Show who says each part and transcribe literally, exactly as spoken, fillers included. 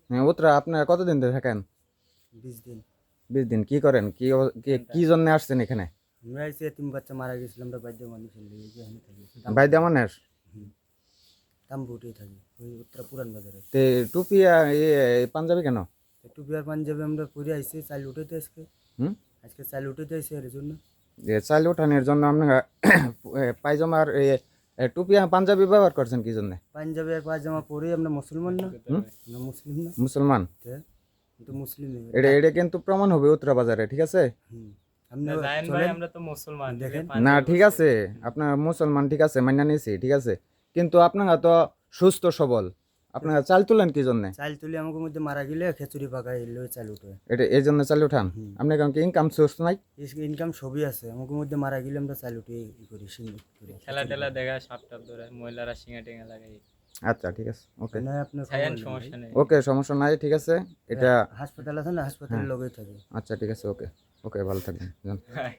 Speaker 1: হ্যাঁ, উত্তরা আপনারা কতদিন ধরে থাকেন?
Speaker 2: বিশ দিন।
Speaker 1: বিশ দিন কি করেন? কি অব- কি- কি জন্য আসছেন এখানে?
Speaker 2: আমরা এসে এতিম বাচ্চা মারা গেছিল, আমরা বাদ্য মানুষ হলে এই যে এখানে থাকি
Speaker 1: বাইদা মানের
Speaker 2: তাম্বুটেই থাকি ওই উত্তরা পুরান বাজারে।
Speaker 1: তে টুপি আর এ এ পাঞ্জাবি কেন?
Speaker 2: একটু বিয়ার পাঞ্জাবে আমরা পরে আইসি, চাল উঠাইতে আজকে
Speaker 1: হুম
Speaker 2: আজকে চাল উঠাইতে আইসি এর জন্য।
Speaker 1: যে চাল উঠানোর জন্য আপনারা এ, পায়জামার এ, এ, টুপি আর পাঞ্জাবি ব্যবহার করছেন কি জন্য?
Speaker 2: পাঞ্জাবি আর পায়জামা পরে আমরা মুসলমান না?
Speaker 1: হুম
Speaker 2: আমরা মুসলিম না?
Speaker 1: মুসলমান।
Speaker 2: তে কিন্তু মুসলিম
Speaker 1: এটা এটা কিন্তু প্রমাণ হবে উত্তরা বাজারে, ঠিক আছে?
Speaker 2: হুম আপনি
Speaker 3: জায়েন ভাই
Speaker 2: চলেন
Speaker 3: আমরা তো মুসলমান
Speaker 2: দেখেন।
Speaker 1: না ঠিক আছে, আপনার মুসলমান ঠিক আছে, মান্য নিয়েছি ঠিক আছে, কিন্তু আপনারা তো সুস্থ সবল, আপনারা চাল তুলেন কি জন্য?
Speaker 2: চাল তুলি আমাকে মধ্যে মারা গেলে খেচুড়ি পাকাই এলে চাল উঠে।
Speaker 1: এটা এই জন্য চাল উঠান?
Speaker 2: হুম।
Speaker 1: আপনার কারণ কি ইনকাম সোর্স নাই?
Speaker 2: ইনকাম সবই আছে, আমাকে মধ্যে মারা গেলে আমরা চাল উঠে ই করি সিঙ্গুর করি
Speaker 3: খেলা টেলা দেখা সাপ টাপ ধরে মহিলারা সিঙ্গা টিঙ্গা লাগাই
Speaker 1: আচ্ছা ঠিক আছে, ওকে
Speaker 2: না আপনার
Speaker 3: ছায়ান
Speaker 2: খবর নেই।
Speaker 3: সমস্যা নেই
Speaker 1: ওকে সমস্যা নাই, ঠিক আছে এটা।
Speaker 2: হাসপাতাল আছে না, হাসপাতালের
Speaker 1: হ্যাঁ।
Speaker 2: লগেই থাকে।
Speaker 1: আচ্ছা ঠিক আছে, ওকে ওকে ভালো থাকবেন যান।